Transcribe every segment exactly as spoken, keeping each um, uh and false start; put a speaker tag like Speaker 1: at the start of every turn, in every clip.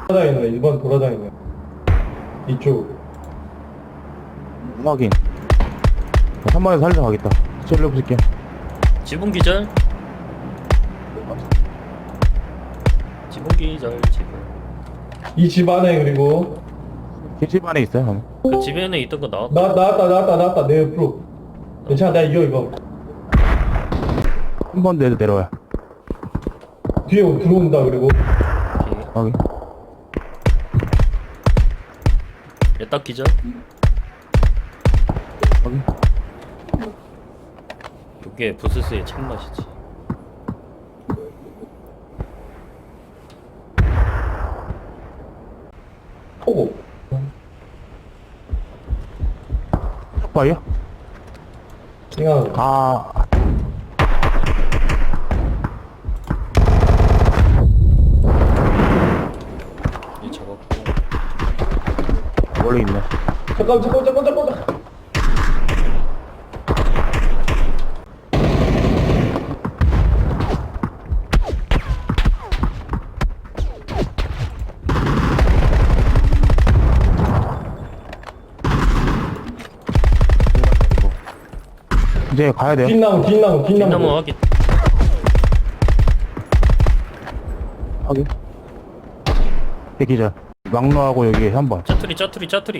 Speaker 1: 돌아다니네. 일 번 돌아다니네. 이쪽.
Speaker 2: 확인. 삼 번에서 살려 가겠다. 찔러 붙일게.
Speaker 3: 지붕 기절. 지붕 기절 지붕.
Speaker 1: 이 집 안에 그리고
Speaker 2: 집 안에 있어요.
Speaker 3: 그 집에는 있던 거 나왔다.
Speaker 1: 나 나왔다 나왔다 나왔다 내 옆으로. 괜찮아 나 이겨 이거.
Speaker 2: 한 번 내도 내려와요.
Speaker 1: 뒤에 들어온다 그리고.
Speaker 3: 오케이.
Speaker 2: 확인.
Speaker 3: 얘딱 기절.
Speaker 2: 확인.
Speaker 3: 이게 부스스의 참맛이지.
Speaker 1: 포고.
Speaker 2: 촉발이요?
Speaker 1: 그냥
Speaker 2: 아.
Speaker 3: 이 잡았고.
Speaker 2: 원래 있네.
Speaker 1: 잠깐 잠깐 잠깐 잠깐.
Speaker 2: 이제 가야 돼요.
Speaker 1: 뒷나무 뒷나무 뒷나무.
Speaker 3: 뒷나무 확인.
Speaker 2: 확인. 대기자. 막로하고 여기 한 번.
Speaker 3: 짜투리 짜투리 짜투리.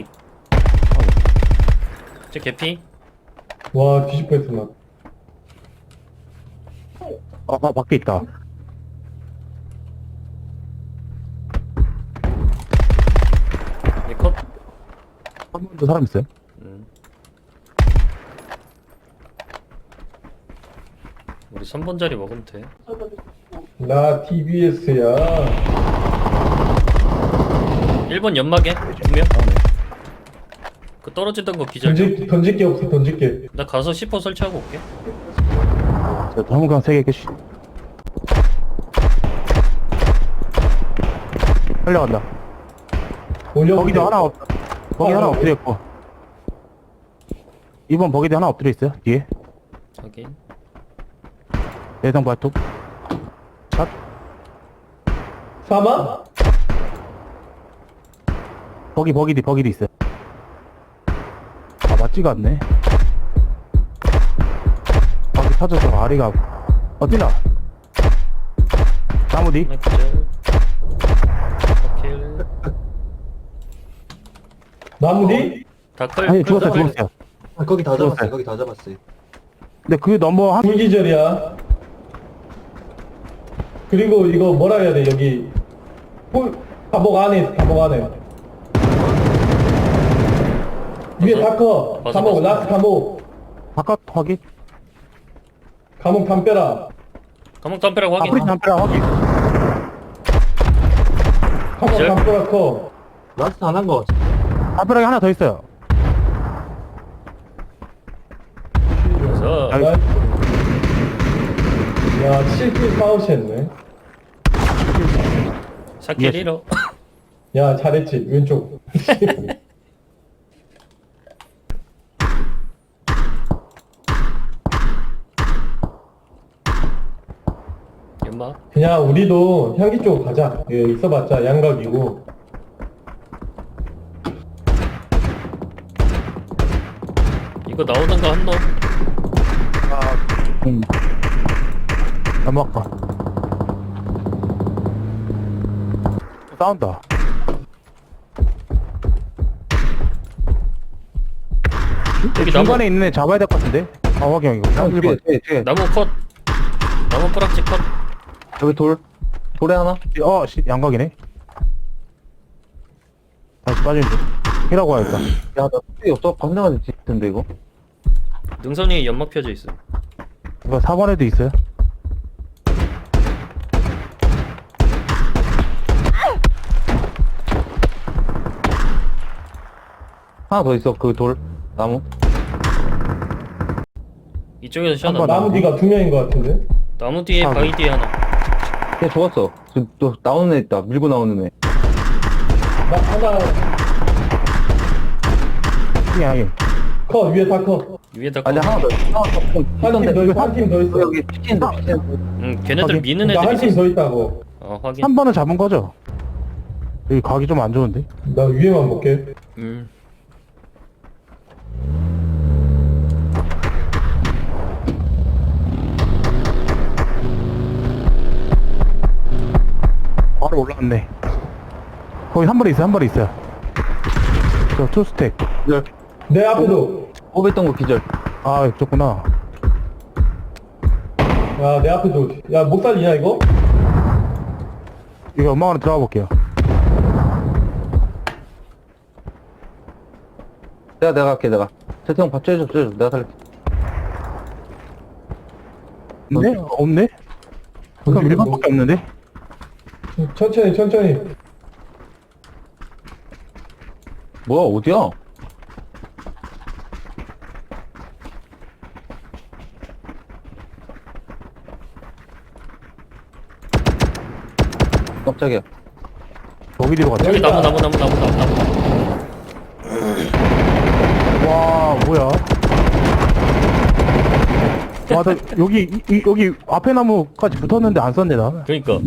Speaker 3: 제 개피.
Speaker 1: 와 뒤집어 했어 나.
Speaker 2: 아, 아 밖에 있다.
Speaker 3: 얘 컷.
Speaker 2: 한 번도 사람 있어요?
Speaker 3: 음. 우리 삼 번 자리 먹으면 돼.
Speaker 1: 나 티비에스야.
Speaker 3: 일 번 연막에 두 명. 그 떨어지던 거 기절.
Speaker 1: 던질 던질 게 없어 던질 게.
Speaker 3: 나 가서 시퍼 설치하고 올게.
Speaker 2: 저 전문강 세 개 개씩. 살려간다.
Speaker 1: 올려.
Speaker 2: 거기도 하나 없, 거기
Speaker 1: 어,
Speaker 2: 하나
Speaker 1: 어.
Speaker 2: 엎드려 있고. 이번 버기도 하나 엎드려 있어요, 뒤에.
Speaker 3: 확인.
Speaker 2: 내성 발톱. 샷.
Speaker 1: 사마?
Speaker 2: 버기, 버기디, 버기디 있어요. 아, 맞지가 않네. 버기 터져서 아리가, 어디나? 나무 뒤?
Speaker 3: 하나 기절. 킬.
Speaker 1: 나무 뒤?
Speaker 3: 다클.
Speaker 2: 아니, 죽었어요,
Speaker 3: 클.
Speaker 2: 죽었어요.
Speaker 4: 아, 거기 다
Speaker 2: 들어왔어요.
Speaker 4: 잡았어요. 거기 다 잡았어요.
Speaker 2: 근데 그 넘버 한,
Speaker 1: 불기절이야. 그리고 이거 뭐라 해야 돼 여기. 홀 감옥 안에 있어 감옥 안에. 위에
Speaker 3: 벗어?
Speaker 1: 다커.
Speaker 3: 벗어,
Speaker 1: 감옥
Speaker 3: 벗어.
Speaker 1: 라스트 감옥.
Speaker 2: 바깥 확인.
Speaker 1: 감옥 담벼라.
Speaker 3: 감옥 담벼락 확인.
Speaker 2: 아프리 담벼락 확인.
Speaker 1: 감옥
Speaker 3: 기절?
Speaker 1: 담벼라 커.
Speaker 4: 라스트 안 한 거.
Speaker 2: 담벼락에 하나 더 있어요.
Speaker 3: 그래서
Speaker 2: 아이.
Speaker 1: 야 칠 킬 파우치 했네.
Speaker 3: 사킬
Speaker 2: 예스.
Speaker 3: 일호.
Speaker 1: 야 잘했지 왼쪽.
Speaker 3: 연막.
Speaker 1: 그냥 우리도 향기 쪽으로 가자. 예, 있어봤자 양각이고.
Speaker 3: 이거 나오는 거 한 놈.
Speaker 2: 아, 음. 넘어가. 싸운다.
Speaker 3: 여기
Speaker 2: 중간에
Speaker 3: 나무.
Speaker 2: 있는 애 잡아야 될 것 같은데? 아, 확인, 이거.
Speaker 4: 형, 뒤에, 뒤에, 뒤에.
Speaker 3: 나무 컷. 나무 뿌락지 컷.
Speaker 4: 여기 돌. 돌에 하나?
Speaker 2: 어, 씨, 양각이네. 다시 빠지는데. 히라고 하겠다.
Speaker 4: 야, 나 뚝배기 없어. 건너가서 짓던데, 이거.
Speaker 3: 능선이 연막 펴져 있어.
Speaker 2: 이거 사 번에도 있어요.
Speaker 4: 하나 더 있어. 그 돌. 나무.
Speaker 3: 이쪽에서 셔
Speaker 2: 한 번.
Speaker 3: 나
Speaker 1: 나무 뒤가 두 명인 것 같은데.
Speaker 3: 나무 뒤에
Speaker 2: 아,
Speaker 3: 바위 뒤에 하나.
Speaker 4: 걔 죽었어. 저, 또 나오는 애 있다. 밀고 나오는 애.
Speaker 1: 나 하나
Speaker 2: 아니, 아니.
Speaker 1: 커 위에 다 커.
Speaker 3: 위에다
Speaker 4: 아니,
Speaker 3: 컷.
Speaker 4: 하나 더 있어. 하나 더.
Speaker 1: 한 팀 더 있어. 한 팀 더 있어.
Speaker 4: 여기 치킨도 치킨.
Speaker 3: 응, 걔네들
Speaker 2: 확인.
Speaker 3: 미는
Speaker 1: 나
Speaker 3: 애들
Speaker 1: 한 팀
Speaker 3: 있어.
Speaker 1: 더 있다고.
Speaker 3: 어, 확인.
Speaker 2: 한 번은 잡은 거죠? 여기 각이 좀 안 좋은데?
Speaker 1: 나 위에만 볼게.
Speaker 3: 음.
Speaker 2: 바로 올라왔네. 거기 한 발에 있어, 한 발에 있어요. 저 투스택.
Speaker 4: 기절.
Speaker 1: 내 앞에도.
Speaker 4: 뽑았던 거 기절.
Speaker 2: 아, 있었구나.
Speaker 1: 야, 내 앞에도. 야, 못 살리냐, 이거?
Speaker 2: 이거 연막 안에 들어가 볼게요.
Speaker 4: 내가 내가 할게 내가. 채팅 밥 쬐줘 쬐줘. 내가 살릴게.
Speaker 2: 근데? 없네? 그럼
Speaker 1: 어디,
Speaker 2: 일반밖에 없는데?
Speaker 1: 천천히, 천천히.
Speaker 4: 뭐야 어디야? 깜짝이야.
Speaker 2: 여기 뒤로 갔다.
Speaker 3: 여기 나무 나무 나무 나무 나무 나무.
Speaker 2: 와, 뭐야? 와, 나 여기, 이, 이- 여기 앞에 나무까지 붙었는데 안 썼네, 나.
Speaker 3: 그러니까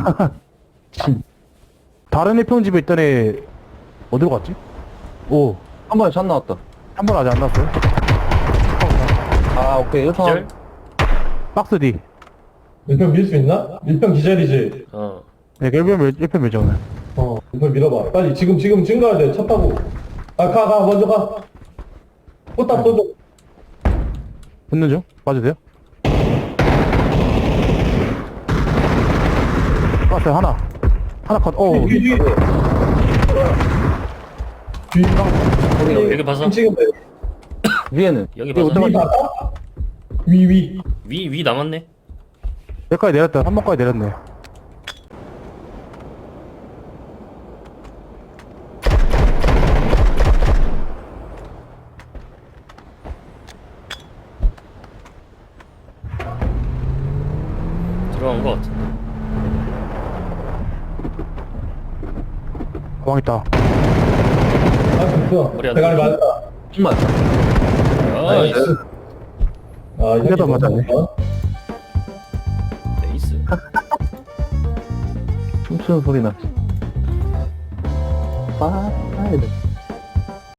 Speaker 2: 다른 애 평집에 있던 애, 어디로 갔지? 오,
Speaker 4: 한 번에 샷 나왔다.
Speaker 2: 한 번 아직 안 났어요?
Speaker 4: 아 오케이 일 번.
Speaker 3: 기절.
Speaker 2: 박스 D.
Speaker 1: 일평 밀 수 있나? 일평 기절이지.
Speaker 3: 어.
Speaker 2: 네, 일 편 멸, 일 편 멸정은.
Speaker 1: 어, 일평 밀어봐. 빨리, 지금, 지금, 지금 가야 돼. 차 타고. 아, 가, 가, 먼저 가. 포탑 쏘줘.
Speaker 2: 붙는 중? 봐도 돼요? 봤어요, 하나. 하나 컷, 어,
Speaker 1: 뒤, 뒤, 뒤. 뒤.
Speaker 3: 여기 봐서.
Speaker 1: 지금
Speaker 4: 위에는.
Speaker 3: 여기 봐서.
Speaker 1: 위 봤다? 위, 위.
Speaker 3: 위 위 남았네.
Speaker 2: 여기까지 내렸다. 한 번까지 내렸네.
Speaker 3: 들어간 거 같은데.
Speaker 2: 가방 있다.
Speaker 1: 아, 됐어.
Speaker 3: 머리 안
Speaker 1: 대가리
Speaker 3: 들어.
Speaker 1: 맞았다.
Speaker 4: 정말.
Speaker 3: 나이스.
Speaker 1: 아,
Speaker 2: 이게 더
Speaker 1: 너무
Speaker 2: 맞았네.
Speaker 1: 좋다.
Speaker 3: 네이스.
Speaker 4: 춤추는 소리 나. 빠. 아,